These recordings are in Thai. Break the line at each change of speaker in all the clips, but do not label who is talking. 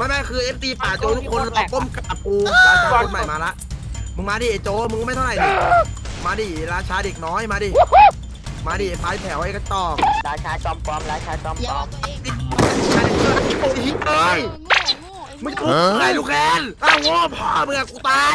ไม่คือเอฟซีป่าโจทุกคนรอก้มกับกูราชาคนใหม่มาละมึงมาดิไอโจมึงไม่เท่าไหร่ดิมาดิราชาเด็กน้อยมาดิปลายแถวไอ้กระตอก
ราชาจอมปลอมราชาจอมปลอม
โอ้ยเอ้ยมึงทุบใครลูกแคนอ้าวโง่พ่อมึงกูตาย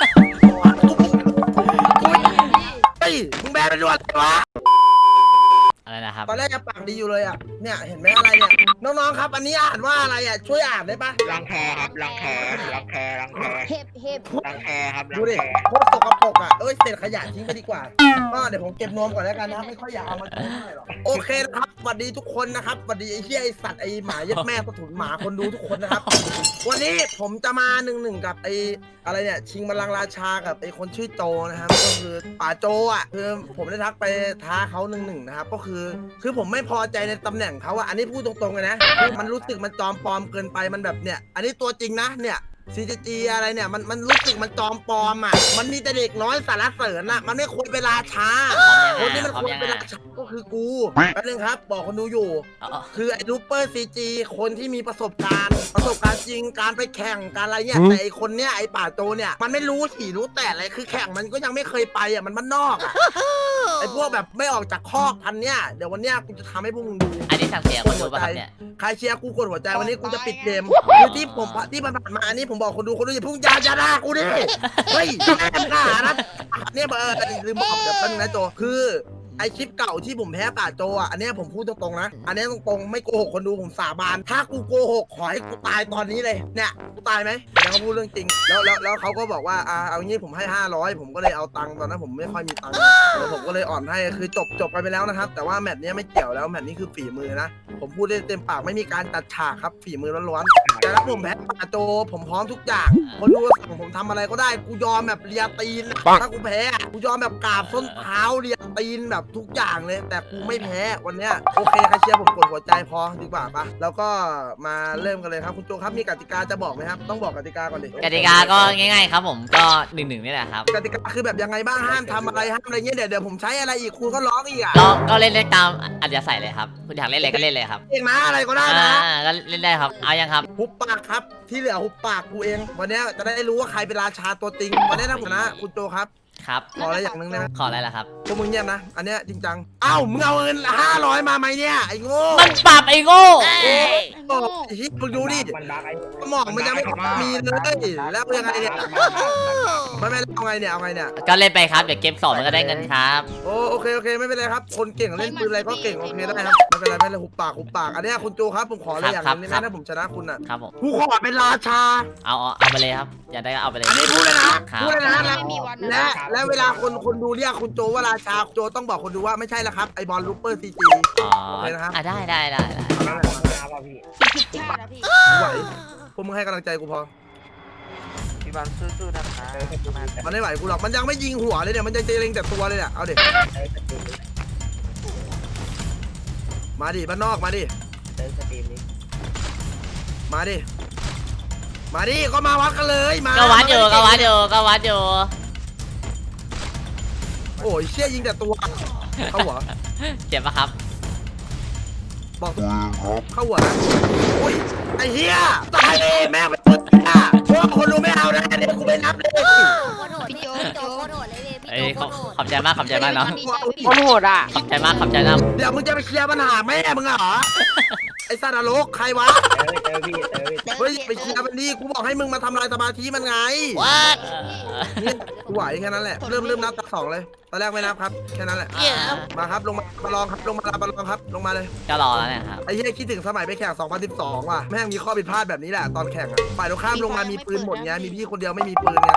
เฮ้ยมึงแบนเป็นรวดวะ
อะไรนะครับ
ตอนแรกจะปากดีอยู่เลยอ่ะเนี่ยเห็นไหมอะไรเนี่ยน้องๆครับอันนี้อ่านว่าอะไรอ่ะช่วยอ่านได้ปะ
รังแคครับรังแครังแครังแค
เห็บ
รังแคครับ
ดูดิโคตรสกปรกอ่ะเศษขยะทิ้งไปดีกว่าก็เดี๋ยวผมเก็บนวมก่อนแล้วกันนะไม่ค่อยอยากเอามาใช้เท่าไหร่หรอกโอเคนะครับสวัสดีทุกคนนะครับสวัสดีไอ้เหี้ยไอ้สัตว์ไอ้หมายัดแม่สะถุนหมาคนดูทุกคนนะครับวันนี้ผมจะมาหนึ่งกับไอ้อะไรเนี่ยชิงบัลลังก์ราชากับไอ้คนชื่อโจนะครับก็คือป่าโจอ่ะคือผมได้ทักไปท้าเขานะครับก็คือผมไม่พอใจในตำแหน่งเขาอ่ะอันนี้พูดตรงๆเลยนะคือมันรู้สึกมันจอมปลอมเกินไปมันแบบเนี่ยอันนี้ตัวจริงนะเนี่ยCGG อะไรเนี่ยมันรู้สึกมันจอมปลอมอ่ะมันมีแต่เด็กน้อยสารเสริญอ่ะมันไม่ควรเป็นราชาคนที่มันควรเป็นราชาก็คือกูแป๊บนึงครับบอกคนดูอยู่คือไอ้รูเปอร์CGคนที่มีประสบการณ์จริงการไปแข่งการอะไรเนี่ยแต่ไอ้คนเนี้ยไอ้ป่าโจเนี่ยมันไม่รู้ถี่รู้แต่อะไรคือแข่งมันก็ยังไม่เคยไปอ่ะมันบ้านนอกอ่ะไอ้พวกแบบไม่ออกจากคอกพันเนี่ยเดี๋ยววันเนี้ยกูจะทำให้พวกมึงดู
อันนี้สั่งเสียคนดูป่ะครับเนี่ย
ใครเชียร์กูกดหัวใจวันนี้กูจะปิดเกมคือที่ผ่านมาอันนี้ผมบอกคนดูอย่าพุ่งยาด่ากูดิเฮ้ยแม่งด่านะเนี่ยลืมบอกเดี๋ยวแป๊บนึงนะโจคือไอคลิปเก่าที่ผมแพ้ป่าโจอ่ะอันนี้ผมพูดตรงๆนะอันนี้ตรงๆไม่โกหกคนดูผมสาบานถ้ากูโกหกขอให้กูตายตอนนี้เลยเนี่ยกูตายไหมแล้วเขาพูดเรื่องจริงแล้วเขาก็บอกว่าเอางี้ผมให้500ผมก็เลยเอาตังค์ตอนนั้นผมไม่ค่อยมีตังค์แล้วผมก็เลยอ่อนให้คือจบกันไปแล้วนะครับแต่ว่าแมตช์นี้ไม่เกี่ยวแล้วแมตช์นี้คือฝีมือนะผมพูดได้เต็มปากไม่มีการตัดฉากครับฝีมือล้วนๆแต่ถ้าผมแพ้ป่าโจผมพร้อมทุกอย่างคนดูสั่งผมทำอะไรก็ได้กูยอมแบบเลียตีนถ้ากูแพ้กูยอมแบบกราบส้นเท้าเลียตีนแบบทุกอย่างเลยแต่กูไม่แพ้วันเนี้ยโอเคใครเชียร์ผมกดหัวใจพอดีกว่าปะแล้วก็มาเริ่มกันเลยครับคุณโจครับมีกติกาจะบอกไหมครับต้องบอกกติกาก่อนดิ
กติกาก็ง่ายๆครับผมก็1-1นี่แหละครับ
กติกาคือแบบยังไงบ้างห้ามทำอะไรห้ามอะไรเงี้ยเดี๋ยวผมใช้อะไรอีกคุณก็ร้องอีกอ่ะ
ก็เล่นตามอัธยาศัยเลยครับคุณอยากเล่นอะไรก็เล่นเลยครับ
เองนะอะไรก็ได้นะ
ก็เล่นได้ครับเอายังครับ
หุบปากครับที่เหลือหุบปากกูเองวันนี้จะได้รู้ว่าใครเป็นราชาตัวจริงวันนี้นะผมนะคุณโจครับ
ครับ
ขออะไรอย่างนึงได้ไหม
ขออะไรล่ะครับ
พวกมึงเงียบนะอันเนี้ยจริงจังเอ้ามึงเอาเงิน500มาไหมเนี่ยไอ้โง่
มันปรับไอ้โง่
มึงดูดิสมองมันยังไม่มีเลยแล้วยังไงเนี่ยไม่เอาไงเนี่ย
ก็เล่นไปครับเดี๋ยวเกม2มันก็ได้เงินครับ
โอเคไม่เป็นไรครับคนเก่งเล่นปืนอะไรก็เก่งโอเคได้ครับไม่เป็นไรหุบปากอันนี้คุณโจครับผมขออะไรอย่างนึงนะถ้าผมชนะคุณอ่ะ
ครับผม
กูขอเป็นราชา
เอาไปเลยครับอยากได้ก็เอาไปเลย
อันนี้พูดเลยนะและเวลาคนดูเรียกคุณโจว่าราชาโจต้องบอกคนดูว่าไม่ใช่แล้วครับไอบอลลูเปอร์CG
อ๋อนะครับได้
ผิดชาตินะพี่
ไหวพวกมึงให้กำลังใจกูพอ
พี่บอลสู้ๆนะคะ
มันไม่ไหวกูหรอกมันยังไม่ยิงหัวเลยเนี่ยมันจะเล็งแต่ตัวเลยเนี่ยเอาเด็กมาดิบ้านนอกมาดิมาดิก็มาวัดกันเลยมา
ก็วัดอยู่
โอ้ยเชี่ยยิงแต่ตัวเข้าหัว
เจ็บปะครับ
บอกเข้าหัวนะโอ้ยไอ้เหี้ยตายเลยแม่ไปปุ๊บอ่ะพวกคนดูไม่เอานะเดี๋ยวกูไม่นับเลย
พี่โจโคตรโหดเลยพี่โจโคตรโหด
ขอบใจมากเนาะ
โคตรโหดอ่ะ
ขอบใจมาก
เดี๋ยวมึงจะไปเคลียร์ปัญหาแม่มึงเหรอไอ้ซาดาโลกใครวะเฮ้ยไปเคลียร์มันดีกูบอกให้มึงมาทำลายสมาธิมันไงนี่กูไหวแค่นั้นแหละเริ่มนับตัก2เลยตอนแรกไม่นับครับแค่นั้นแหละมาครับลงมาลองครับลงมาครับลงมาเลย
ก็รอแล้วเนี่ยครับ
ไอ้เหี้ยคิดถึงสมัยไปแข่ง2012ว่ะแม่งมีข้อผิดพลาดแบบนี้แหละตอนแข่งอะฝ่ายตรงข้ามลงมามีปืนหมดไงมีพี่คนเดียวไม่มีปืนไง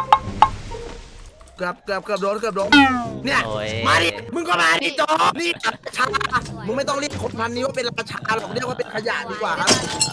เกือบโดนเนี่ยมาดิมึงก็มาดิจอนี่ราชามึงไม่ต้องเรียกคนพันนี้ว่าเป็นราชาหรอกเรียกว่าเป็นขยะดีกว่าครับ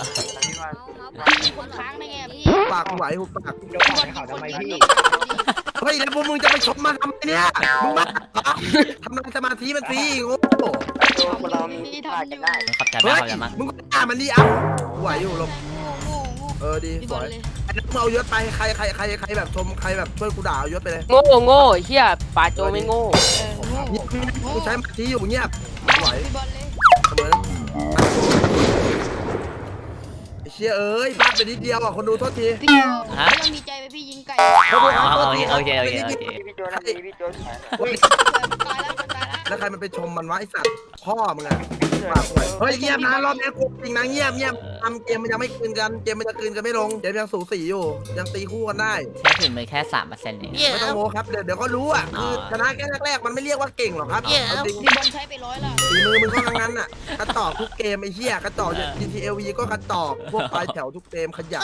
คนค้างได้ไงพี่
ปากไหวหุบปาก
ยกเขาทำไมพี่
เฮ้ยแล้วพวกมึงจะไปชมมาทำไมเนี่ยมึงบ้าทำลายสมาธิมันสิโง่
เรามีทำได้
ขอบใจมาก
มึงก็ด่ามันดิอ่ะไหวอยู่ลมดีสวยไอ้นักเอายศไปใครแบบชมใครแบบช่วยกูด่าเอายศไปเลย
โง่เฮียป่าโจไม่โง่
กูใช้มาทีอยู่เงียบไหวเสมอไอ้เชียเอ้ยพลาดไปนิดเดียวอ่ะคนดูโทษที
พี่โจ
ฮะ
ยังมีใจไปพี่ยิงไก่
โอเค
พี่โจทำดีพี่โจ
ตายแล้วมันตายแล้ว
แล้วใครมันไปชมมันวะไอสัตว์พ่อมึงอะเฮ้ยเงียบนะรอบนี้กูจริงนะเงียบทำเกมมันยังไม่คืนกันเกมมันจะคืนกันไม่ลงเกมยังสูสีอยู่ยังตีคู่กันได้
ใช้ถึงมือแค่ 3%เอง
ไม่ต้องโม้ครับเดี๋ยวก็รู้อ่ะคือชนะแค่แรกๆมันไม่เรียกว่าเก่งหรอกครับเอาจริง
พี่บอลใช้ไป100ละ
ฝีมือมึงก็ทั้งนั้นอ่ะกระจอกทุกเกมไอ้เหี้ยกระจอกอย่าง GTLV ก็กระจอกพวกปลายแถวทุกเกมขยะ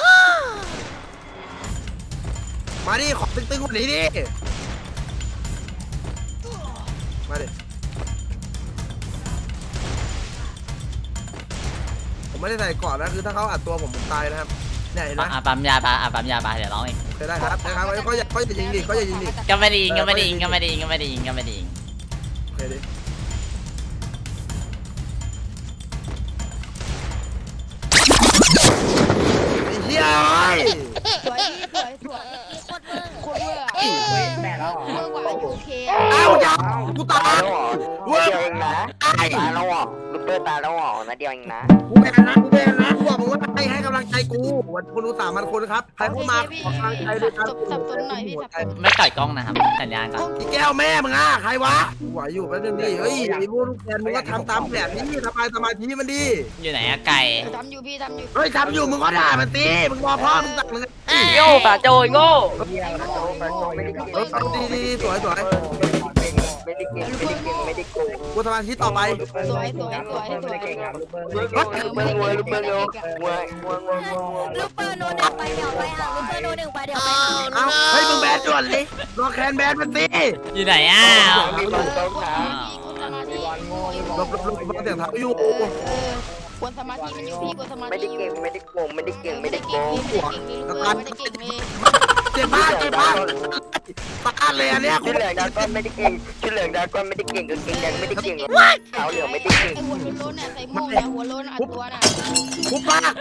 มาดิขอตึงๆกว่านี้ดิมาดิผมไม่ได้ใส่ก่อนนะคือถ้าเขาอัดตัวผมตายนะครับเนี่ยเห็นไหม
ปั๊มยาปะปั๊มยาปะเดี๋ยวร้องเอง
เคยได้ครับนะครับเขาจะยิงดิเขาจะยิงดิ
ก็ไม่ดีก็ไม่ดี
เออ
ก็ไม่ดีก็ไม่ดีก็ไม่ดี
เคยดิไอ้เหี้ยเอ้ย
สวยพี่สวยโคตรเวอร์
แม่แล้วเหรอ
เวอร์กว่าโอเค
เอ้าอย่ากูตาย
เดียวเองนะตายแล้วเหรอลูกเตอร์ตายแล้วเหรอนะเดียวเองนะ
กูแบนนะกูบอกมึงว่าให้กำลังใจกูวันคนดู3,000 คนครับใครเข้ามาขอกำลังใจด้วยกัน
สับสนหน่อยพี่สับสน
ไม่ต่อยกล้องนะครับสัญญาณก่อน
อีแก้วแม่มึงอ่ะใครวะไหวอยู่แป๊บนึงดิเฮ้ยไอ้พวกลูกแกนมึงก็ทำตามแผนนี้สมาธิมันดี
อยู่ไหนอะไก่
ทำอยู่พี่ทำอยู่
เฮ้ยทำอยู่มึงก็ด่ามันสิมึงรอพ่อมึงสั่งมึง
โย่ป่าโจโง่
เดียวนะไม่ได้เก่ง
เอาดีสวย
ไม่ได้เก่งไม่ได้เก่งไม่ได้โกง
กูสมาธิต่อไป
สวยสวยสวยสวย
ลูกเบอร์ลูกเบอร์เร็ววัว
ลูกเปอร์โนหนึ่งไปเดี๋ยวไปอ่ะลูกเปอร์โนหนึ่งไปเดี๋ยวไปอ่ะ
เอาเฮ้ยมึงแบนด่วนเลยรอแคนแบนมันสิ
อยู่ไหนอะ
มีบอลต้องขา
ลบเสียงเท้าอยู่
กวนสมาธิมันอยู่พี่กวนสมาธิ
ไม่ได้เก่งไม่ได้โกงไม่ได้เก่งไม่ได้โกง
ไม่ได้เก่งเลย
เจ็บมากตาเลยอันเนี้ย
ชื่อเหลืองดาก้อนไม่ได้เก่งชื่อเหลืองดาก้อนไม่ได้เก่งกับเก่งแดงไม่ได้เก่งขาวเหลืองไม่ได้เก่ง
ไอหัวโล้นเนี่ยใส่หม้อเนี่ยหัวโล้นอัดตัวน่ะ
คุปาก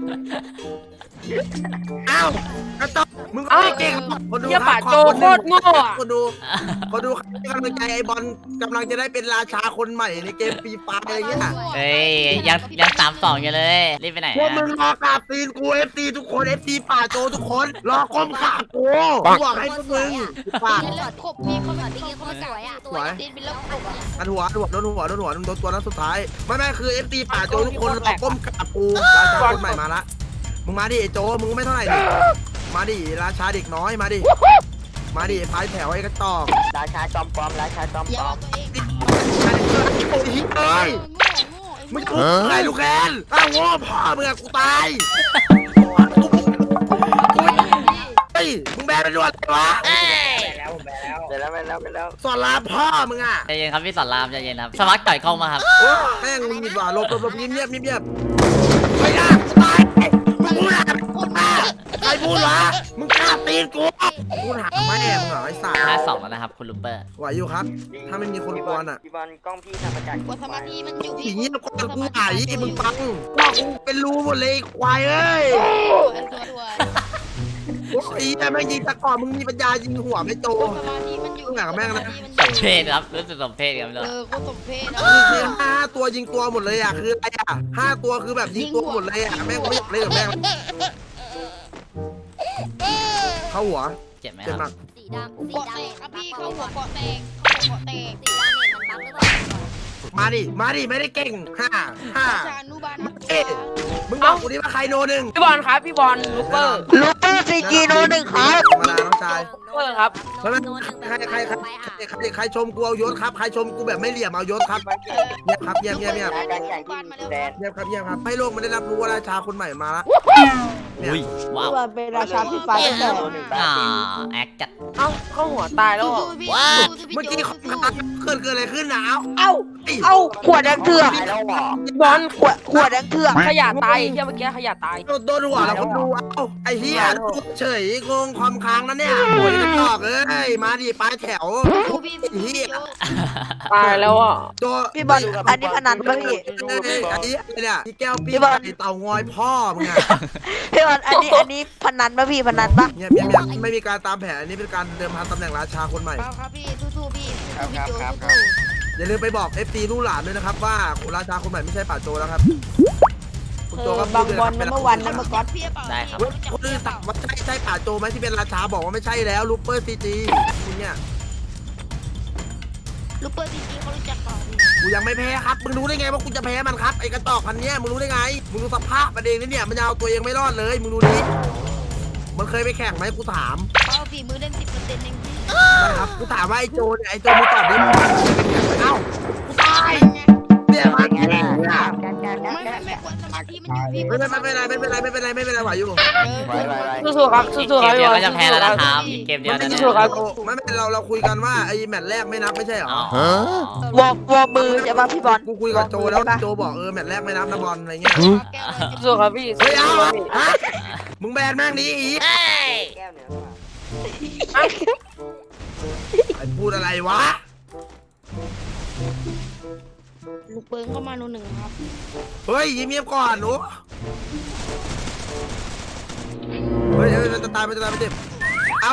อ้าวกระต๊อบมึงก็ไม่เก่งคนดู
เฮียป่าโจโคตรโง่อะ
คนดูให้กำลังใจไอ้บอลกำลังจะได้เป็นราชาคนใหม่ในเกมฟรีไฟร์อะไรเงี้ย
เฮ้ยยัง3-2อยู่เลยรีบไปไหน
พวก
อะ
มึงรอกราบตีนกูเอฟซีทุกคนเอฟซีป่าโจทุกคนรอก้มขากูบอกให้พวกมึงปาก
แล้วขบพี่เขา
ต
ไม่
อนนี้
เขา
เขา
ไม่
ส
ส
ว
วย ย
อ่ะ
อ่ะ
ตั
ส
ว
วย
ตีนเป็นแล้วขบอ่ะ
อันหัวโดนหัวโดนตัวนั้นสุดท้ายไม่คือเอฟซีป่าโจทุกคนรอก้มกราบกูราชาคนใหม่มาละมึงมาดิไอ้โจมึงไม่เท่าไหร่ดิมาดิราชาเด็กน้อยมาดิไฟแถวไอ้กระตอก
ราชาจอมปลอมราชาจอม
อย่า
ปลอ
เอา
ม
ตัวเอง
โอ้ยเอ้ย
โง่
มึงพูดอะไรลูกแคนอ้าวโง่พ่อมึงอะกูตายเฮ้ยมึงแบนไปด้วยอะไรวะ
ไปแล้ว
สอนรามพ่อมึงอะ
ใจเย็นครับพี่สอนรามใจเย็นครับสมัครต่อยกล้องมาครับ
โอ้แม่งมึงดีกว่าหลบเงียบไม่ได้กูตายมึงพูดอะไรใครพูดวะมึงกล้าตีนกูพูดหาแม่มึงเหรอไอ้สัตว์
5-2แล้วนะครับคุณลูเปอร์
ไหวอยู่ครับ ถ้าไม่มีคนกวนอะ
พี่บอลกล้องพี่ทำมาจาก
กวนสมาธิมันอยู่
ผี
พี่
เงี้ยกวนกูไหวมึงฟังว่ากูเป็นรูหมดเลยควายเอ้ย
ตัว
โอ้ยแต่แม่งยิงตะกอนมึงมีปัญญายิงหัวไม่โต
กวนสมาธิมันอยู่
สมเพศครับรู้สึกสมเพศครับ
กูสมเพศ
คือ5 ตัวยิงตัวหมดเลยอ่ะคืออะไรอ่ะ5 ตัวคือแบบยิงตัวหมดเลยอ่ะแม่งไม่อยากเล่นกับแม่งเข้าหัว
เจ็บไหม
เจ็บ
ค
หนั
รับ
ก
สีดำสี
เกาะ
ดำ
แต
เห็
ก
น
ครับ
ปั๊
พี่
บ
เขาหัว
ก่อน
เกาะแตกเขาหัวเกาะแตก
สีดำเห็นมันปั๊บหรือเปล่า
มาดิไม่ได้เก่งห้า
ชานุบาล
มึงบอกกูดิว่าใครโนหนึ่ง
พี่บอลครับพี่บอลลูกเปอร์
ลูเปอร์ซีจีโนหนึ่งครับ
มาน้องชาย
เปอร์ครับ
ใครชมกูเอายศครับใครชมกูแบบไม่เหลี่ยมเอายศครับเงียบครับเงียบ
การแข่งที่แดน
ให้โลกมันได้รับรู้ว่าราชาคนใหม่มาละเนี่ย
อุ้ยว้าว
เป็นราชาพี่ฟ้าตั้งแต่
แอคจัด
เอ้าเข้าหัวตายแล้วเหรอ
เมื่อกี้เขาเกิดอะไรขึ้นนะ
เอ้าขวดแดงเถื่อน
ตายแล้วเหรอบ
อลขวดแดงเถื่อนขยะตายเฮียเมื่อกี้ขยะตาย
โดนหัวแล้วคนดูเอ้าไอ้เหี้ยเฉยงงความค้างนั่นเนี่ยโวยกันตอกเอ้ยมาดิปลายแถว
ตายแล้วอ่ะ
ตัว
พี่บอลอันนี้พนันป่ะพี่
ไอ้เนี่ยพี่แก้วพี่เต่างอยพ่อมึงอะ
พี่บอลอันนี้พนันป่ะพี่พนันป่ะ
เนี่ยไม่มีการตามแผนอันนี้เป็นการเดิมพันตำแหน่งราชาคนใหม่
ครับพี่สู้ๆพี่
อย่าลืมไปบอก FT ลูกหลานด้วยนะครับว่าราชาคนใหม่ไม่ใช่ป่าโจแล้วครับโจก็
บางบอลนัมเบอร์วันนัมเบอร์ก๊อต
ได้ครับ
คนอื่นถามว่าใช่ป่าโจไหมที่เป็นราชาบอกว่าไม่ใช่แล้วลูเปอร์ซีจีเนี่ย
ลูเปอร์ซีจีเขารู้จักเปล่า
กูยังไม่แพ้ครับมึงรู้ได้ไงว่ากูจะแพ้มันครับไอ้กระจอกพันเนี้ยมึงรู้ได้ไงมึงดูสภาพมันเองนี่เนี่ยมันเอาตัวเองไม่รอดเลยมึงดูดิมันเคยไปแข่งไหมกูถาม
เขาฝีมือเล่น10%เองพี่
นะครับกูถามว่าไอ้โจเนี่ยไอ้โจมึงตอบดิเอ้ากูตายเนี่ยมันเนี่ย
ไม่ควรสมาธิมันอยู่พี่
ไม่เป็นไรไหวอยู่
สู้ๆครับสู้ๆครับ
เกมเดียว
พี่บอล
ก็จะแพ้แล้วนะครับอีกเกมเดียวนะเนี่ย
สู้ๆครับ
ไม่เราคุยกันว่าไอ้แมตช์แรกไม่นับไม่ใช่เหรอ
อ๋อ
วอร์มือใช่ป่ะพี่บอล
กูคุยกับโจแล้วโจบอกแมตช์แรกไม่นับนะบอลอะไรเงี้ย
สู้ๆครับพี่
เฮ้ยเอา
สู้ๆครับพี่
ฮะมึงแบนแม่งนี้อีกไอ้พูดอะไรวะ
ลูกเปิ้งเข้ามาโน่นหนึ่งครับ
เฮ้ยยิ้มเงียบก่อนหนูเฮ้ยมันจะตายมันจะตายมันเจ็บเอา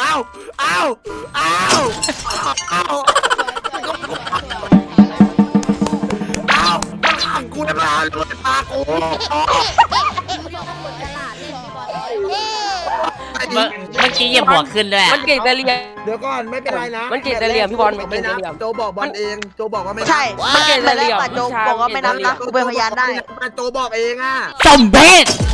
มันขังกูได้มาลูกตากู
พี่บอลก็กดตลาดเล่นพี่บอล
เมื่อกี้เหยียบหัวขึ้นด้วย
มันเก่งแต่เรียน
เดี๋ยวก่อนไม่เป็นไรนะ
มันเก่งแต่เหลี่ยมพี่บอลมันเก่งแต่เหลี่ยม
โจบอกบอลเองโจบอกว่าไม่นับ
ใช่
มันเก่งแต่เหลี่ยม
ป่าโจบอกว่าไม่นับนะกูเป็นพยานได้
โจบอกเองอ่ะ
สมเพศ